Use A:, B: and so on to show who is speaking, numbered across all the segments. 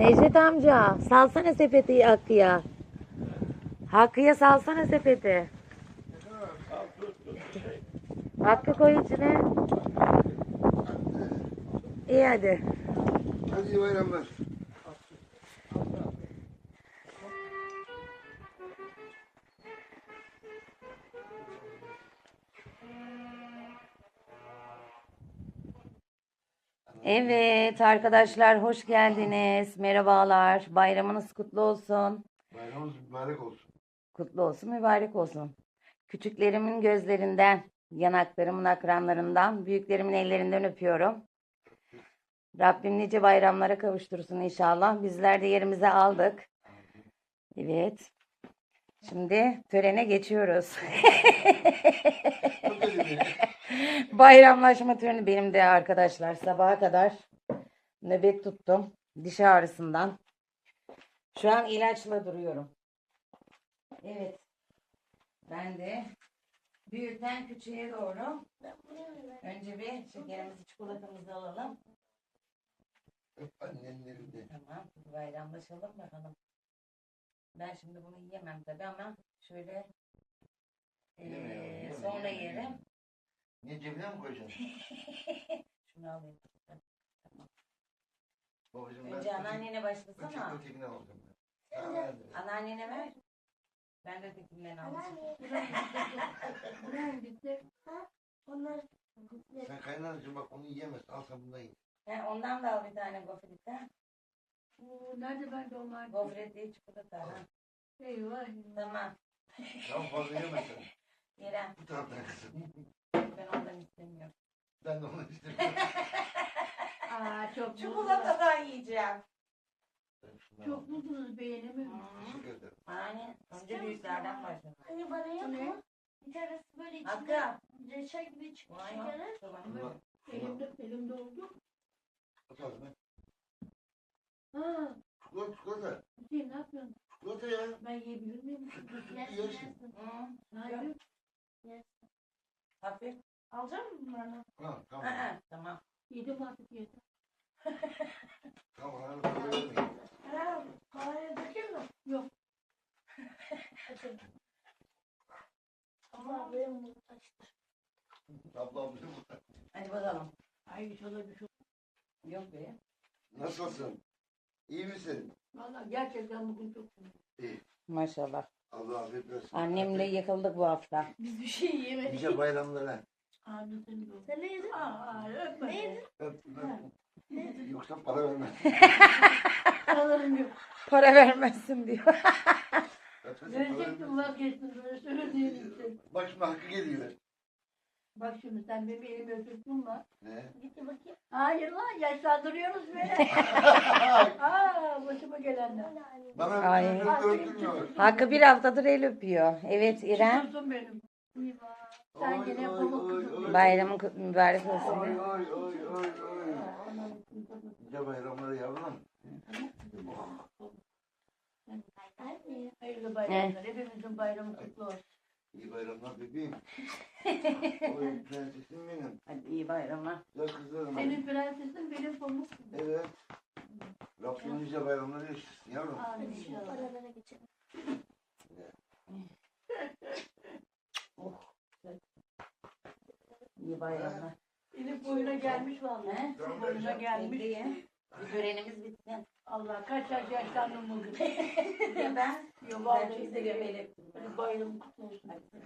A: Necdet amca salsana sepeti Hakkı'ya. Hakkı'ya salsana sepeti. Hakkı koy içine. İyi hadi.
B: Hadi iyi bayramlar.
A: Evet arkadaşlar hoş geldiniz. Merhabalar. Bayramınız kutlu olsun.
B: Bayramımız mübarek olsun.
A: Kutlu olsun, mübarek olsun. Küçüklerimin gözlerinden, yanaklarımın akranlarından, büyüklerimin ellerinden öpüyorum. Rabbim nice bayramlara kavuştursun inşallah. Bizler de yerimize aldık. Evet. Şimdi törene geçiyoruz.
B: Çok önemli.
A: Bayramlaşma töreni benim de arkadaşlar. Sabaha kadar nöbet tuttum. Diş ağrısından. Şu an ilaçla duruyorum. Evet. Ben de büyükten küçüğe doğru. Önce bir şekerimizi, çikolatamızı alalım.
B: Öp annenin elinde.
A: Tamam. Bayramlaşalım bakalım. Ben şimdi bunu yiyemem tabii ama şöyle
B: Yeme,
A: sonra
B: yeme,
A: yerim.
B: yeme. Niye cebine mi koyacaksın?
A: Şunu alayım.
B: Babacığım
A: Önce anneannene başlasana.
B: Ötekini alacağım ben. Tamam, hadi.
A: Anneannene ver. Ben de ötekinden alacağım.
B: Sen kaynanacığım bak onu yiyemez. Al sen bundan ye.
A: Ondan da al bir tane gofrete.
C: Nerede bende onlar?
A: Gofret değil çikolata. Ha.
C: Eyvah.
A: Tamam.
B: Tamam fazla yeme sen.
A: Yerem.
B: Bu taraftan kızım.
A: Ben ondan istemiyorum.
B: Ben de onu istemiyorum.
C: Aa çok
A: Çikolatadan yiyeceğim.
B: Ben şundan
C: çok
B: aldım.
C: mutluyuz beğenemiyorum.
B: Teşekkür ederim.
A: Yani önce büyüklerden başlayalım.
D: Hani bana yapma. Bir tanesi böyle içinde
A: Hakkı.
D: reçel gibi çıkmış
A: Vay
D: şekeri.
A: Tamam.
B: Şundan
C: Elimde oldu.
B: at ağzına.
C: Ha,
B: Çikolata.
C: Hüseyin ne yapıyorsun?
B: Çikolata ya.
C: Ben yiyebilir miyim?
D: Yersin
B: Yersin.
D: yersin.
C: Hayır.
A: Hafif.
D: Alacak mısın bunlardan?
B: Ha, tamam.
A: Tamam.
C: Yedim artık yedim.
B: Tamam. Hadi fazla yemeyin.
D: Ha, havaya dökeyim mi?
C: Yok.
D: Dökeyim. Ama benim bu taştır.
B: Ablam bilir bu.
A: Hadi bakalım.
C: Ay inşallah bir şey.
A: Yok be.
B: Nasılsın? İyi misin?
C: Valla gerçekten bugün çok sinirliyim.
B: İyi.
A: Maşallah.
B: Allah afiyet versin.
A: Annemle yakıldık bu hafta.
D: Biz bir şey yemedik.
B: Nice bayramlara.
C: Amin senin de olsun.
D: Sen ne yedin?
C: Aa, öpme.
D: Ne yedin?
B: Öp, Yoksa para vermez.
C: Paralarım yok.
A: Para vermezsin diyor.
C: Verecektim vazgeçtim böyle söylediğim için.
B: Bak şimdi hakkı geliyor.
C: Bak şimdi sen benim elimi öpüyorsun mu?
B: Ne?
D: Gitti bakayım.
C: Hayır lan yaşlandırıyoruz beni. Aa başıma gelenler.
B: Bana
A: Ay.
B: öldürmüyor.
A: Hakkı bir haftadır el öpüyor. Evet İrem.
C: Çıkıyorsun benim. Sen gene pamuk kızım.
A: Bayramın mübarek olsun.
B: Oy oy oy oy oy. Nice bayramları yavrum.
D: Anne.
C: Hayırlı bayramlar. Hepimizin bayramı kutlu olsun.
B: İyi bayramlar bebeğim. Oy prensesim benim.
A: Hadi iyi bayramlar.
B: Güzel kızlarım.
C: Senin prensesin benim pamuk kızım.
B: Evet. Rabbim nice bayramları yaşasın yavrum.
C: Amin
D: Hadi şu
C: inşallah.
D: paralara geçelim.
A: İyi bayramlar.
C: Elif boyuna gelmiş vallahi.
A: He?
C: Boyuna gelmiş.
A: Bekleyin. Bir törenimiz bitsin.
C: Allah kaç yaş yaşlandım bugün.
A: Ben
C: Yok
A: ben çok
C: vallahi
A: seviyorum el öptüm.
C: Böyle bayramı kutlu olsun.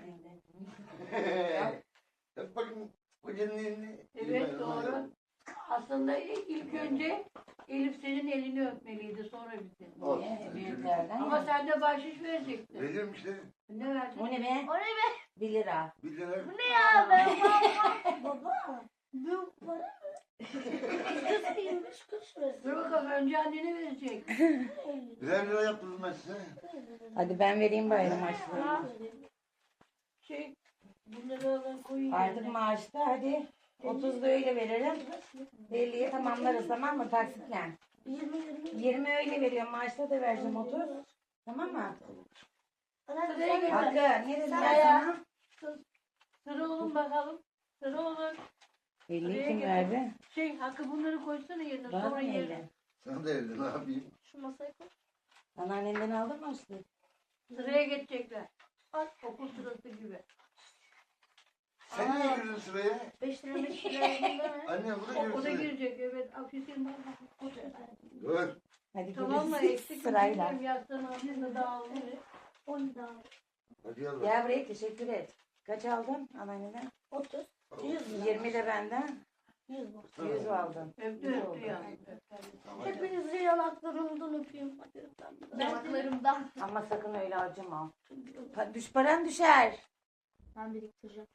B: Öp bakayım kocanın elini. İyi
C: Evet
B: bayramlar.
C: doğru. Aslında ilk önce Elif senin elini öpmeliydi sonra bizi.
B: Olsun.
A: Niye? Büyüklerden
C: Ama
A: ya.
C: sen de bahşiş verecektin.
B: Veririm işte.
C: Ne verdin?
A: O ne be?
D: O ne be?
A: 1 lira.
B: 1 lira.
D: Bu ne ya? Ben baba. Bu para mı? Kız 25 kuruş versin.
C: Dur bakalım önce annene verecek.
B: Birer lira yaptırdım ben size.
A: Hadi ben vereyim bayram harçlığını.
C: Şey bunları alın koyun.
A: Artık
C: yerine.
A: maaşta hadi 30 da öyle veririm. 50'ye tamamlarız tamam mı taksitle? 20 öyle veriyorum maaşta da vereceğim 30. Tamam mı?
C: Sıraya gel.
A: Hakkı ne dedim ben
C: Sıraya.
A: sana?
C: Sıra olun bakalım. Sıra olun.
A: 50
C: Sıraya
A: kim
C: gel.
A: verdi?
C: Şey Hakkı bunları koysana yerine
A: Bana
C: sonra
A: mı
C: yerine.
A: elli?
B: Sen de evde ne yapayım?
D: Şu masaya koy.
A: Anneannenden aldın mı açtı?
C: Sıraya geçecekler.
D: Al.
C: Okul sırası gibi.
B: Sen niye girdin sıraya?
D: 5 lira 5 lira yerinde mi?
B: Anne bu da
C: O
B: girdi
C: da
B: sıraya.
C: girecek evet. Afiyetin var.
B: Dur.
A: Hadi
C: Tamam mı?
A: gidelim
C: Eksik
A: sırayla.
C: mi? Yastığın altında dağılır.
D: 10 daha.
B: Hadi yallah.
A: Gel buraya teşekkür et. Kaç aldın anneanneden?
D: 30. 100 lira.
A: 20 de benden.
D: 100 lira.
A: 100 aldın.
C: Öptü öptü yani.
D: Hepinizi yanaklarımdan öpeyim. Hadi yanaklarımdan.
A: Ama sakın öyle acıma. Paran düşer.
D: Ben biriktireceğim.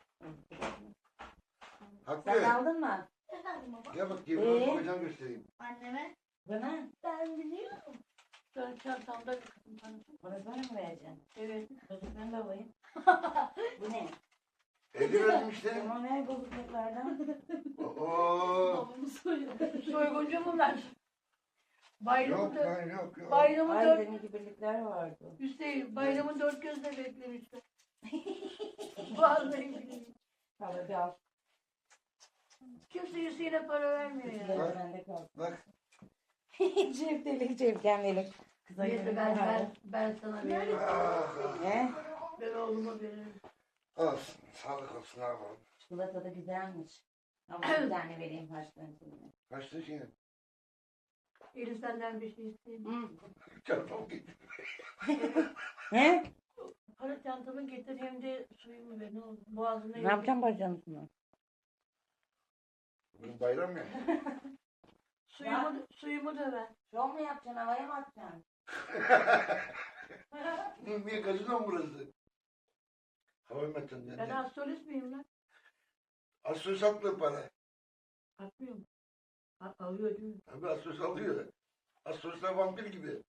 B: Hakkı.
A: Sen aldın mı?
D: Efendim baba.
B: Gel bak gibi bakacağım göstereyim.
D: Anneme.
A: Bana?
D: Ben biliyorum.
C: Sonra çantamda bir kızım tanıdım.
A: Bunu bana mı vereceksin?
C: Evet.
A: Bozuklarını da alayım. Bu ne?
B: Evde verdim işte.
A: Tamam ver bozukluklardan.
B: Oo.
D: Babamı soruyor.
C: Soyguncu bunlar. Bayramı
B: Yok
C: da,
B: lan yok yok.
C: bayramı
A: Ay
C: dört,
A: demin ki birlikler vardı.
C: Hüseyin, bayramı dört gözle beklemişler. Vallahi billahi.
A: Al hadi al.
C: Kimse Hüseyin'e para vermiyor ya.
A: Kutuları bende kalsın.
B: Bak.
A: Ceptelik cepkendelik. Kıza
C: Neyse
A: yemin
C: ben sana veririm.
B: Ah, ah.
A: Ne?
C: Ben oğluma veririm.
B: Olsun. Sağlık olsun ne yapalım.
A: Çikolata da güzelmiş. Ama bir tane vereyim harçlığın içinde.
B: Kaçtı ki?
C: Elif senden bir şey isteyeyim.
A: Hı.
B: Çarpam gitti.
A: Ne?
C: Para çantamı getir hem de suyumu ver ne olur. Boğazına
A: Ne yapacağım bacağını?
B: Bugün bayram ya.
C: Suyumu da ver.
A: Şov mu yapacaksın? Havaya mı atacaksın?
B: Niye kaçıyor burası? Hava metin.
C: Ben astrolist miyim lan?
B: Asos atlı para.
C: Atmıyor mu? Alıyor değil mi?
B: Abi Asos alıyor. Asoslar vampir gibi.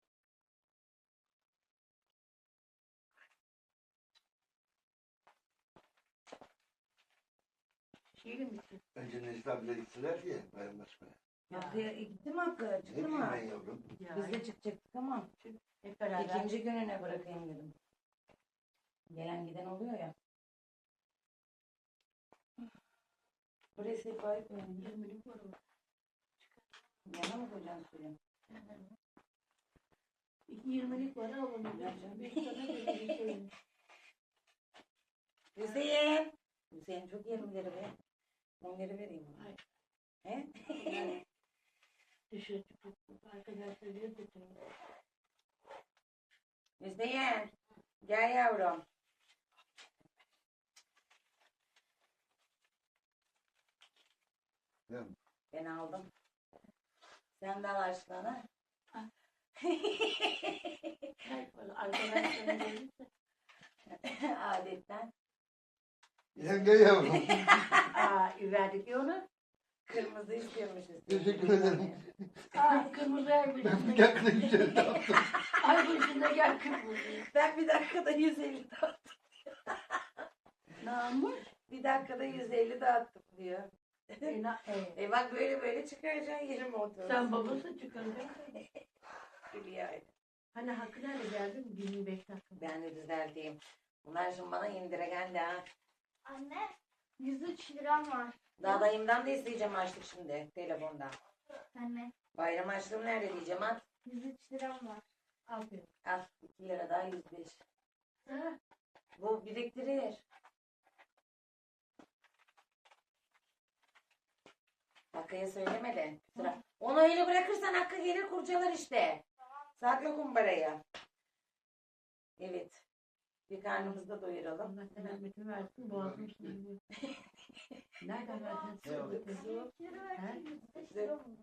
C: Şeyle mi gidecek?
B: Önce Necdet abiler gittiler diye bayramlaşmaya.
A: Hakkı'ya gitti mi Hakkı?
B: Ne
A: Çıktı
B: bileyim
A: mı?
B: ben yavrum.
C: Ya,
A: Biz de çıkacaktık ama
C: hep beraber.
A: ikinci gününe bırakayım dedim. Gelen giden oluyor ya. Buraya sehpayı koyayım.
C: 20'lik var o.
A: Yana mı koyacaksın suyu?
C: 20'lik var alalım. Bir tane de bir şey.
A: Hüseyin. Hüseyin çok 20'leri be. 10'ları vereyim.
C: Hayır.
A: He?
C: Dışarı çıkıp arkadaşlar diyor ki
A: Hüseyin. Gel yavrum.
B: Ne?
A: Ben aldım. Sen de al açlığını.
C: arkadaşlar gelirse
A: Adetten.
B: Yenge yavrum.
C: verdik ya onu.
A: Kırmızı istiyormuşuz.
B: Teşekkür ederim.
C: Kırmızı ay
B: Ben bir
C: başında.
B: dakika güzel yaptım.
C: Ay başında gel kırmızı.
A: Ben bir dakikada 150 dağıttım.
C: Namus.
A: Bir dakikada 150 dağıttım diyor. Bak böyle böyle çıkaracaksın 20 30.
C: Sen babası çıkaracaksın.
A: Hülya.
C: Hani Hakkı nerede geldin? 25 dakika.
A: Ben de düzelteyim. Bunlar şimdi bana indire geldi ha.
D: Anne. 103 liram var.
A: Daha dayımdan da isteyeceğim açlık şimdi telefonda.
D: Anne.
A: Bayram açlığım nerede diyeceğim at.
D: 103 liram var.
C: Aferin.
A: Al 2 lira daha 105.
C: Ha?
A: Bu biriktirir. Hakkı'ya söyleme de. Sıra. Onu öyle bırakırsan Hakkı gelir kurcalar işte. Sakla kumbarayı. Evet. Bir karnımızı da doyuralım.
C: Allah sen rahmetini versin. Boğazım sınırlı. Nereden verdin?
B: Evet.
D: 103 lira versin. 105 lira mı?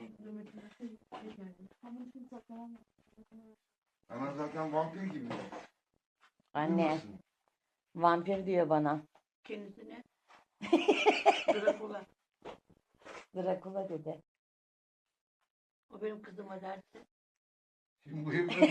D: Ama şimdi saklamam.
B: Ana zaten vampir gibi.
A: Anne.
B: Duymasın.
A: Vampir diyor bana.
C: Kendisine. Drakula.
A: Drakula dedi.
C: O benim kızıma dersi.
B: Şimdi bu evde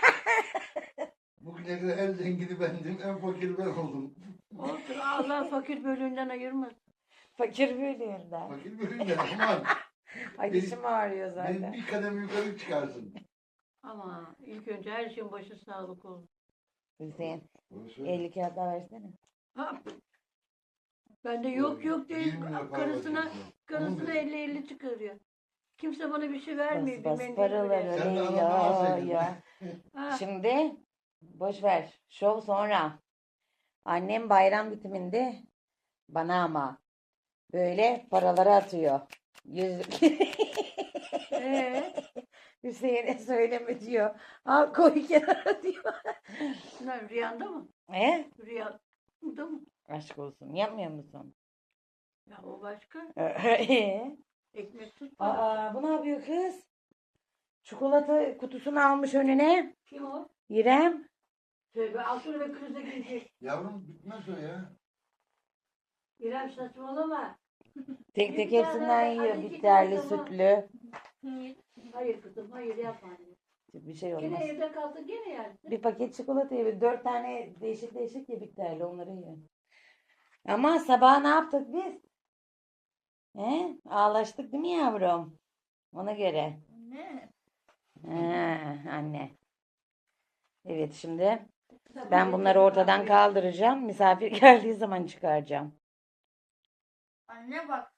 B: bugüne kadar en zengini bendim, en fakiri ben oldum.
C: Olsun Allah fakir bölüğünden ayırmasın.
A: Fakir bölüğünden.
B: Fakir bölümden aman.
A: Ay dişim ağrıyor
B: Beni
A: zaten.
B: bir kademe yukarı çıkarsın.
C: Ama ilk önce her şeyin başı sağlık olsun.
A: Hüseyin
B: Bunu söyle.
A: 50 kağıt daha versene.
C: Ha. Ben de yok yok değil.
B: 20 lira para
C: Karısına
B: vereceksin.
C: karısına
B: Onu ver.
C: 50-50 çıkarıyor. Kimse bana bir şey vermiyor.
A: Bas
C: bir mendil
A: paraları
C: bile.
B: Sen de
A: Leyla
B: ananı alsaydın.
A: ya.
C: Ha,
A: Şimdi boş ver. Şov sonra. Annem bayram bitiminde bana ama böyle paraları atıyor. Yüzlük.
C: ee,
A: Hüseyin'e söyleme diyor. Al koy kenara diyor.
C: ne, rüyanda mı?
A: He?
C: Rüyanda mı?
A: Aşk olsun. Yapmıyor musun?
C: Ya o başka.
A: Ee?
C: Ekmek tut.
A: Aa, bu ne yapıyor kız? Çikolata kutusunu almış önüne.
C: Kim o?
A: İrem.
C: Tövbe altını ve krize girecek.
B: Yavrum bitmez o ya.
C: İrem saçmalama.
A: Tek
C: Bir
A: tek
C: tane,
A: hepsinden
C: hadi
A: yiyor.
C: iki
A: Bitterli,
C: tane tamam.
A: sütlü.
C: Hayır kızım hayır yapma anne.
A: Bir şey
C: Gene
A: olmaz.
C: evde kalsın gene yersin.
A: Bir paket çikolata ye. 4 tane değişik değişik ye bitterli. Onları ye. Ama sabah ne yaptık biz? He? Ağlaştık değil mi yavrum? Ona göre.
D: Ne?
A: He, anne. Evet şimdi ben bunları ortadan kaldıracağım. Misafir geldiği zaman çıkaracağım.
D: Anne bak.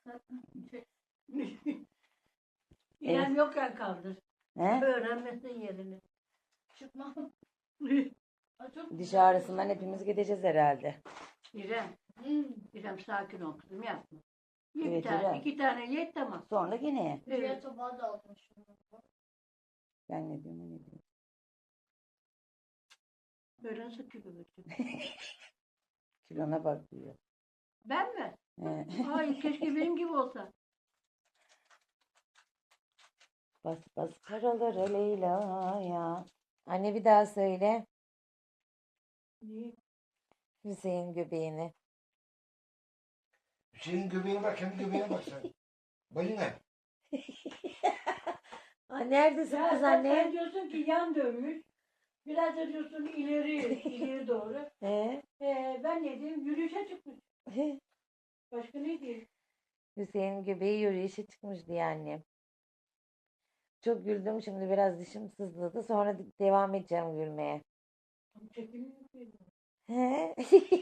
C: İrem yokken kaldır.
A: He?
C: Öğrenmesin yerini.
D: Çıkmam. Çok
A: Diş ağrısından hepimiz gideceğiz herhalde.
C: İrem. İrem sakin ol kızım yapma. Bir
A: Evet,
C: tane,
A: İrem.
C: 2 tane ye tamam.
A: Sonra yine.
C: Evet.
D: Diğer tabağı da almışım.
A: Ben ne diyorum, o ne diyorum.
C: Böyle nasıl kilo götürdün?
A: Kilona bak diyor.
C: Ben mi?
A: He.
C: Hayır keşke benim gibi olsa.
A: Bas bas paraları Leyla ya. Anne bir daha söyle.
C: Niye?
A: Hüseyin göbeğini.
B: Hüseyin göbeğine bak, kendi göbeğine bak sen. Balina.
A: Neredesin
C: Ya
A: kız
C: sen
A: anne?
C: diyorsun ki yan dönmüş. Biraz da diyorsun ileri doğru.
A: He?
C: Ben ne diyeyim? Yürüyüşe çıkmış. Başka ne diyeyim?
A: Hüseyin göbeği yürüyüşe çıkmış diye annem. Çok güldüm, şimdi biraz dişim sızladı. Sonra devam edeceğim gülmeye.
C: Çekimi yapıyorum.
A: He?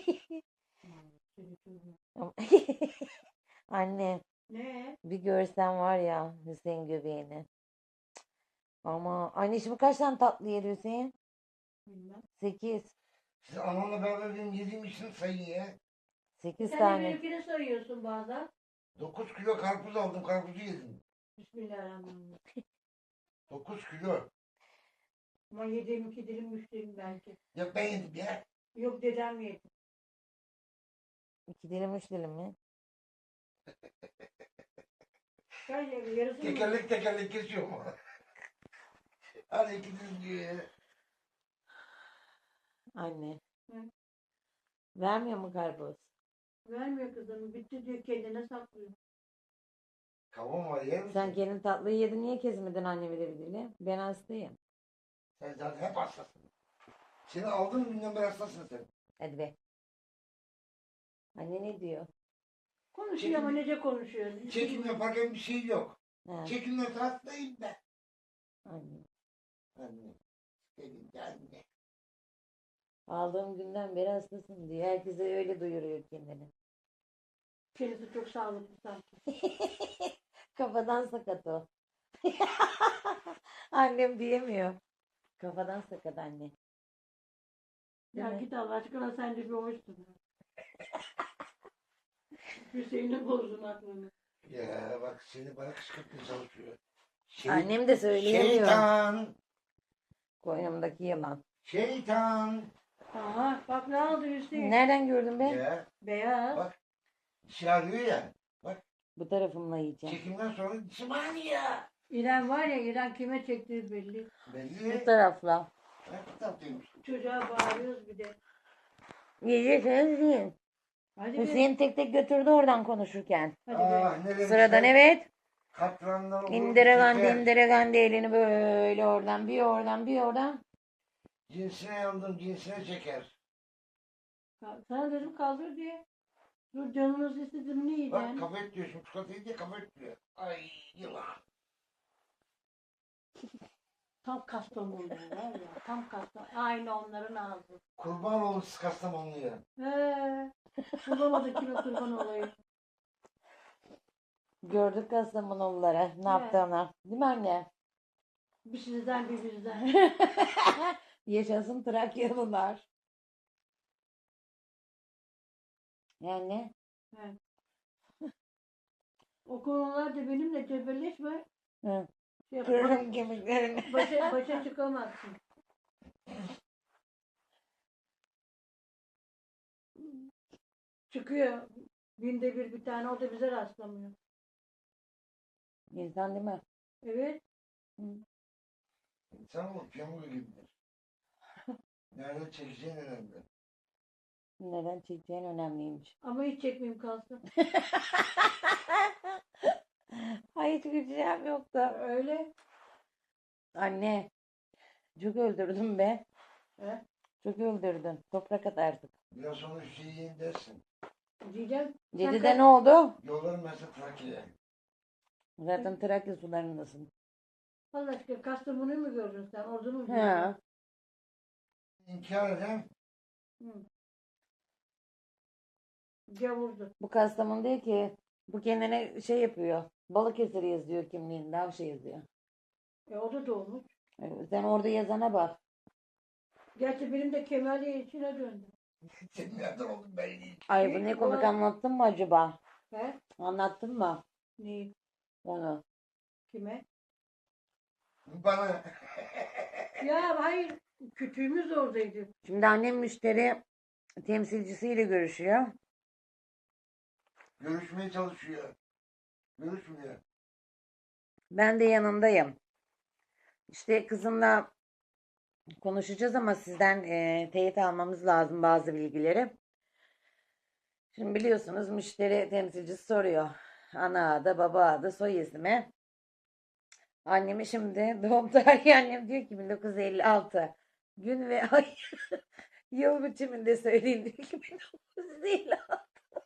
A: Anne
C: Ne?
A: bir görsen var ya Hüseyin göbeğini. Ama anne şimdi kaç tane tatlı yedi Hüseyin?
C: Bilmem.
A: 8.
B: Siz anamla beraber benim yediğim için sayın ya.
A: 8
C: Sen de
A: tane.
C: benimkini sayıyorsun bazen.
B: 9 kilo karpuz aldım, karpuzu yedim.
C: Bismillahirrahmanirrahim.
B: 9 kilo.
C: Ama yediğim 2 dilim 3 dilim belki.
B: Yok ben yedim ya.
C: Yok dedem yedi.
A: 2 dilim 3 dilim mi?
C: Ben yarısını
B: Tekerlek tekerlek kesiyorum onu. Hadi ikiniz diyor ya.
A: Anne.
C: Hı.
A: Vermiyor mu karpuz?
C: vermiyor kızım. Bitti diyor kendine saklıyor.
B: Kavun var yer misin?
A: Sen gelin tatlıyı yedin, niye kesmedin annemi de bir dilim? Ben hastayım.
B: Sen zaten hep hastasın. Seni aldığım günden beri hastasın sen.
A: Hadi be. Anne ne diyor?
C: Konuşuyor ama nece konuşuyor.
B: Çekim yaparken bir şey yok.
A: Ha,
B: Çekimle tatlıyım ben.
A: anne.
B: Anne. Sevgili anne.
A: Aldığım günden beri hastasın diyor. Herkese öyle duyuruyor kendini.
C: Kendisi çok sağlıklı sanki.
A: Kafadan sakat o. Annem diyemiyor. Kafadan sakat anne.
C: Ya
A: Evet.
C: git Allah aşkına sen de bir hoşsun. Hüseyin'e bozdun aklını.
B: Ya bak seni bana kışkırtmaya çalışıyor.
A: Annem de söyleyemiyor.
B: Şeytan.
A: Koynumdaki yılan.
B: Şeytan.
C: Aha bak ne oldu Hüseyin?
A: Nereden gördün be?
B: Ya
C: Beyaz.
B: bak. Dişi ağrıyor ya.
A: Bu tarafımla yiyeceğim.
B: Çekimden sonra dişim ağrıyor.
C: İrem var ya İrem kime çektiği belli.
A: Bu
B: Belli.
A: tarafla.
B: Ne tatlıymış.
C: Çocuğa bağırıyoruz bir de.
A: Yiyeceksiniz yiyin.
C: Hadi be.
A: Hüseyin tek tek götürdü oradan konuşurken.
C: Hadi be.
B: Ah ne demişler?
A: Sıradan evet.
B: Katrandan olur.
A: İndiregendi
B: çeker.
A: indiregendi elini böyle oradan bir oradan bir oradan.
B: Cinsine yandım, cinsine çeker.
C: Sana dedim kaldır diye. Dur canınız istedi mi ne
B: Bak
C: yiyeceksin?
B: kafa etliyor şimdi çikolatayı diye kafa etliyor. Ay yılan.
C: Tam Kastamonu var ya. Tam Kastamonu. Aynı onların ağzı.
B: Kurban olmuş Kastamonu'ya.
C: Bulamadı kime kurban olayım.
A: Gördük Kastamonulara ne yaptığını. Değil mi anne?
C: Bir sizden bir bizden.
A: Yaşasın Trakyalılar. Yani
C: Evet. O konularda benimle cebelleşme.
A: hı,
C: Şey,
A: kırırım kemiklerini.
C: başa çıkamazsın. Çıkıyor. Binde bir tane o da bize rastlamıyor.
A: İnsan değil mi?
C: Evet.
B: İnsan bu piyano gibidir. Nerede çekeceğin önemli.
A: Neden çekeceğin önemliymiş.
C: Ama hiç çekmeyeyim kalsın.
A: Ay hiç güleceğim yoktu.
C: Öyle.
A: Anne çok öldürdün be.
C: He?
A: Çok öldürdün. Toprak atarsın.
B: Biraz sonra Hüseyin dersin.
C: Diyeceğim. sen
A: Cedide ne oldu?
B: Yollarım mesela Trakya'ya.
A: Zaten Trakya sularındasın.
C: Allah aşkına Kastamonu'yu mu gördün sen? Ordunu mu gördün?
A: He.
B: İnkar eden
C: Hı. Gavurdu.
A: Bu Kastamonu değil ki. Bu kendine şey yapıyor. Balıkesir yazıyor kimliğinde. Avşa yazıyor.
C: O da doğmuş.
A: Sen orada yazana bak.
C: Gerçi benim de Kemaliye içine döndü.
B: senin nereden oldun belli değil.
A: Ay bu ne komik anlattın mı acaba?
C: He?
A: Anlattın mı
C: Neyi?
A: onu?
C: Kime?
B: Bana
C: Ya hayır. Kütüğümüz oradaydı.
A: Şimdi annem müşteri temsilcisiyle görüşüyor.
B: görüşmeye çalışıyor. Görüşmüyor.
A: Ben de yanındayım. İşte kızımla konuşacağız ama sizden teyit almamız lazım bazı bilgileri. Şimdi biliyorsunuz müşteri temsilcisi soruyor. Ana adı, baba adı, soy ismi. Annemi şimdi doğum tarihi annem diyor ki 1956. Gün ve ay yıl biçiminde söyleyin diyor ki 1956.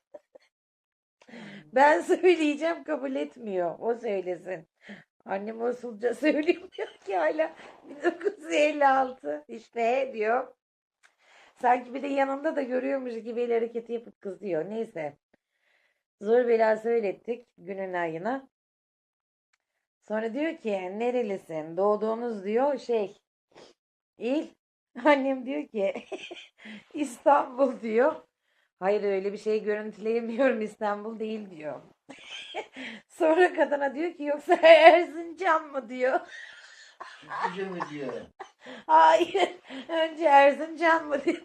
A: Ben söyleyeceğim kabul etmiyor. O söylesin. Annem usulca söyleyeyim diyor ki hala 1956. İşte diyor. Sanki bir de yanında da görüyormuş gibi el hareketi yapıp kızıyor. Neyse. Zor bela söylettik günün ayına. Sonra diyor ki nerelisin? Doğduğunuz diyor il. Annem diyor ki İstanbul diyor. Hayır öyle bir şey görüntüleyemiyorum İstanbul değil diyor. Sonra kadına diyor ki yoksa Erzincan mı diyor.
B: Sütlüce mi diyor.
A: Hayır önce Erzincan mı dedi.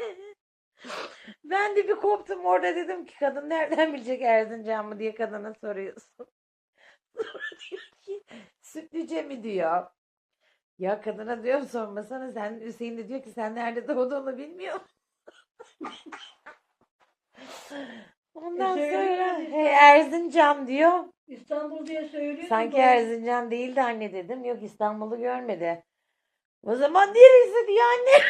A: Ben de bir koptum orada dedim ki kadın nereden bilecek Erzincan mı diye kadına soruyorsun. Sonra diyor ki Sütlüce mi diyor. Ya kadına diyorum sormasana sen Hüseyin de diyor ki sen nerede doğduğunu bilmiyor musun? Ondan
C: söylüyor
A: sonra
C: işte.
A: Erzincan diyor.
C: İstanbul diye söylüyor.
A: Sanki Erzincan değildi anne dedim. Yok İstanbul'u görmedi. O zaman neresi diyor anne.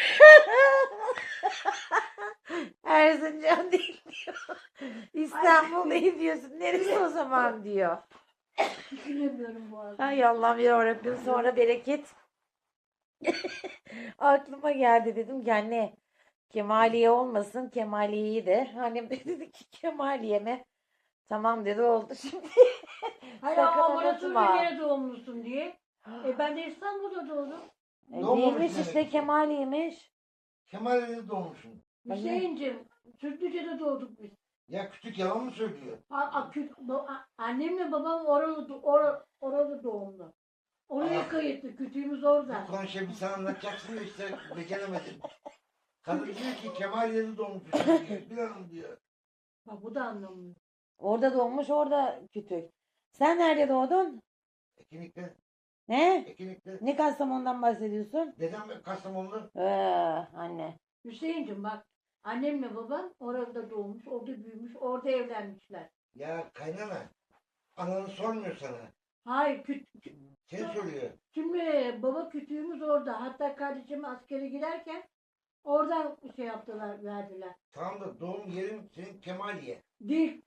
A: Erzincan değil diyor. İstanbul değil diyorsun. Neresi o zaman diyor.
C: Düşünemiyorum bu arada.
A: Hay Allah'ım yarabbim sonra bereket. Aklıma geldi dedim ki anne Kemaliye olmasın Kemaliye'yi de. Annem de dedi ki Kemaliye mi? Tamam dedi oldu şimdi.
C: Hayır
A: Sakın
C: ama bana
A: unutma.
C: söyle nerede doğmuşsun diye. Ben de İstanbul'da doğdum.
B: Doğmamış
A: Neymiş
B: demek
A: işte
B: ki.
A: Kemaliye'miş.
B: Kemal'e doğmuşsun.
C: Hüseyin'cim, Sütlüce'de doğduk biz.
B: Ya küçük yalan mı söylüyor?
C: Annemle babam orada doğumlu. Oraya
B: Ah.
C: kayıtlı, kütüğümüz orada.
B: Bu konuşayım bir sana anlatacaksın da işte beceremedin. Kadın diyor ki Kemal'e doğmuşsun diyor. Bir hanım diyor.
C: Bak bu da anlamıyor.
A: Orada doğmuş orada kütük. Sen nerede doğdun?
B: Ekinik'te.
A: He?
B: Ekinik'te.
A: Ne Kastamonu'dan bahsediyorsun?
B: Dedem Kastamonu'da.
A: Anne.
C: Hüseyin'cim bak, annemle babam orada doğmuş, orada büyümüş, orada evlenmişler.
B: Ya kaynana. Ananı sormuyor sana.
C: Hayır,
B: Seni soruyor.
C: şimdi baba kütüğümüz orada. Hatta kardeşim askere giderken oradan şey yaptılar, verdiler.
B: Tamam da doğum yerin senin Kemaliye.
C: Değil.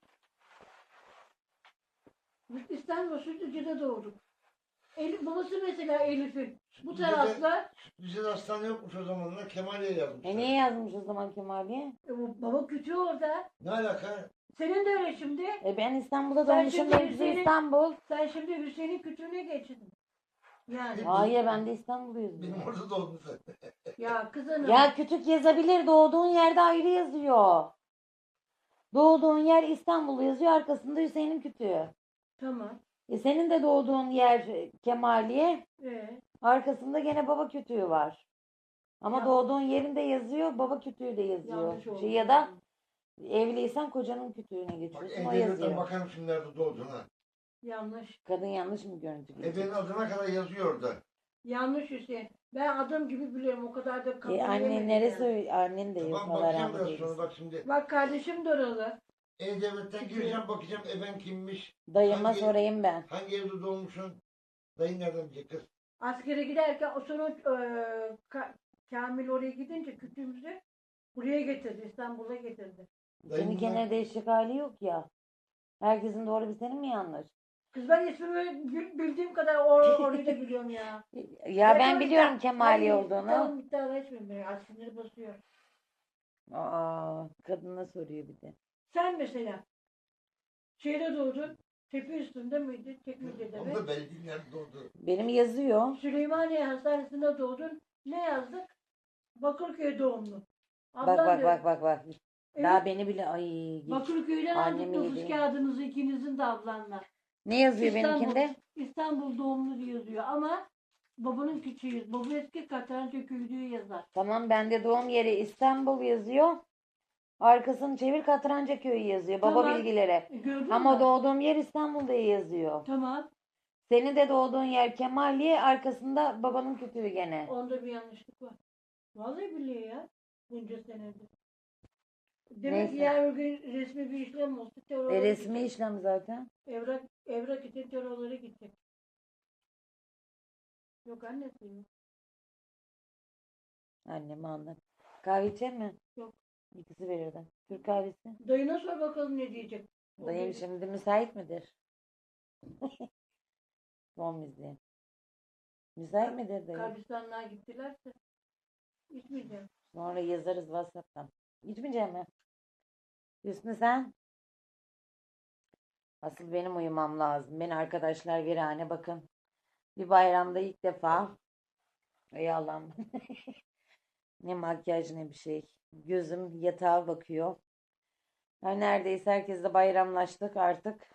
C: Biz İstanbul Sütlüce'de doğduk. Babası mesela Elif'in. Bu
B: Sütlüce'de-
C: tarafta
B: Bize de hastane yokmuş o zamanlar. Kemaliye yazmışlar.
A: Niye yazmış o zaman Kemaliye?
C: baba kütüğü orada.
B: Ne alaka?
C: Senin de öyle şimdi.
A: Ben İstanbul'da
C: Sen
A: doğmuşum.
C: şimdi
A: Benimkisi
C: Hüseyin'in-
A: İstanbul.
C: Sen şimdi Hüseyin'in kütüğüne geçtin. Yani.
A: Hayır, ben de İstanbul'uyuz.
B: Benim orada doğdun sen.
C: Ya kızım.
A: Ya kütük yazabilir. Doğduğun yerde ayrı yazıyor. Doğduğun yer İstanbul yazıyor. Arkasında Hüseyin'in kütüğü.
C: Tamam.
A: Senin de doğduğun yer Kemaliye.
C: Ee,
A: Arkasında gene baba kütüğü var. Ama
C: Ya-
A: doğduğun yerinde yazıyor. Baba kütüğü de yazıyor.
C: yanlış oldu.
A: Ya da evliysen kocanın kütüğüne
B: Bak
A: geçiyorsun. O
B: E-Devlet'ten
A: yazıyor.
B: bakarım şimdi nerede doğdun ha.
C: Yanlış.
A: Kadın yanlış mı görüntü geçiyor?
B: Benim adına kadar yazıyor orada.
C: Yanlış Hüseyin. Ben adım gibi biliyorum. O kadar da kabul
A: Annen
C: yemedim
A: neresi?
C: yani.
A: Annen de yok.
B: Tamam
A: Allah
B: bakacağım
A: rahmet
B: biraz
A: eylesin.
B: sonra bak şimdi.
C: Bak kardeşim de oralı.
B: E-Devlet'ten gireceğim bakacağım eben kimmiş.
A: Dayıma
B: Hangi-
A: sorayım ben.
B: Hangi evde doğmuşsun? Dayın nereden bilecek kız?
C: Askere giderken o sonra Kamil oraya gidince kütüğümüzü buraya getirdi. İstanbul'a getirdi.
A: Senin
B: Dayın
A: kenara değişecek hali yok ya. Herkesin doğru bir senin mi yanlış?
C: Kız ben ismimi bildiğim kadar orayı da biliyorum ya.
A: Ya ben
C: Reklam
A: biliyorum
C: iddia-
A: Kemali
C: Hayır,
A: olduğunu.
C: Tamam iddia etmiyorum beni. Askeri basıyor.
A: Aa, kadına soruyor bir de.
C: Sen mesela şeyde doğdun. Tepe üstünde miydi? Çekmece'de mi?
B: Onda belli değil nerede doğdu.
A: Benim yazıyor.
C: Süleymaniye Hastanesi'nde doğdun. Ne yazdık? Bakırköy doğumlu.
A: Bak
C: Ablam
A: bak
C: diyor,
A: bak bak bak.
C: Evet.
A: Daha beni bile ay.
C: Bakırköy'den
A: Annem
C: aldık nüfus
A: iyiydi.
C: kağıdınızı ikinizin de ablanla.
A: Ne yazıyor
C: İstanbul.
A: benimkinde?
C: İstanbul doğumlu diye yazıyor ama babanın küçüğüyüz. Baba eski Katranca köyü diye yazar.
A: Tamam, bende doğum yeri İstanbul yazıyor. Arkasını çevir, Katranca köyü yazıyor. Baba
C: Tamam.
A: bilgileri.
C: Gördün
A: Ama
C: mü?
A: doğduğum yer İstanbul diye yazıyor.
C: Tamam.
A: Senin de doğduğun yer Kemaliye, arkasında babanın kütüğü gene.
C: Onda bir yanlışlık var. Vallahi billahi ya. Bunca senedir. Demek ki
A: Neyse.
C: yarın bir gün resmi bir işlem olsa terörlere
A: Resmi
C: gidecek.
A: işlem zaten.
C: Evrak için terörlere gidecek. Yok annesi mi?
A: Annemi anlat. Kahve içer mi?
C: Yok.
A: İkisi verirdim. Türk kahvesi.
C: Dayına sor bakalım ne diyecek. O
A: Dayım
C: gelir.
A: şimdi müsait midir? Son müziği. Müsait midir dayı?
C: Kabristanlığa gittilerse içmeyeceğim.
A: Sonra yazarız WhatsApp'tan. İçmeyecek mi? Hüsnü sen? Asıl benim uyumam lazım. Beni arkadaşlar virane bakın. Bir bayramda ilk defa. Ey Allah'ım. Ne makyaj ne bir şey. Gözüm yatağa bakıyor. Yani neredeyse herkesle bayramlaştık artık.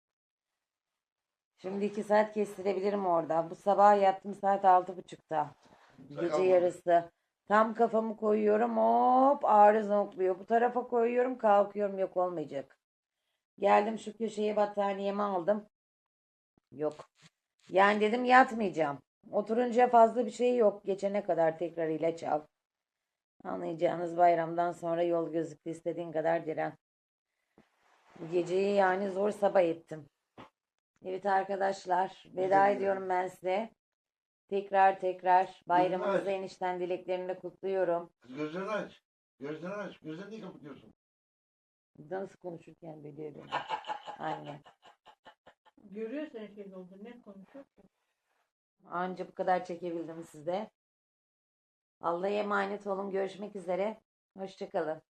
A: Şimdi 2 saat kestirebilirim orada. Bu sabah yattım saat 6.30'da. Gece
B: Sakal
A: yarısı. Tam kafamı koyuyorum, hop ağrı zonkluyor. Bu tarafa koyuyorum, kalkıyorum, yok olmayacak. Geldim şu köşeye, battaniyemi aldım. Yok. Yani dedim yatmayacağım. Oturunca fazla bir şey yok. Geçene kadar tekrar ilaç al. Anlayacağınız bayramdan sonra yol gözüktü, istediğin kadar diren. Bu geceyi yani zor sabah ettim. Evet arkadaşlar, veda ediyorum ben size. Tekrar bayramınızı
B: Gözünü aç.
A: enişten dileklerimle kutluyorum.
B: Kız gözlerini aç. Gözlerini aç. Gözlerini niye kapatıyorsun?
A: Nasıl konuşurken biliyor beni. Anne.
C: Görüyor sen şey oldu. Ne konuşuyor ki?
A: Anca bu kadar çekebildim size. Allah'a emanet olun. Görüşmek üzere. Hoşçakalın.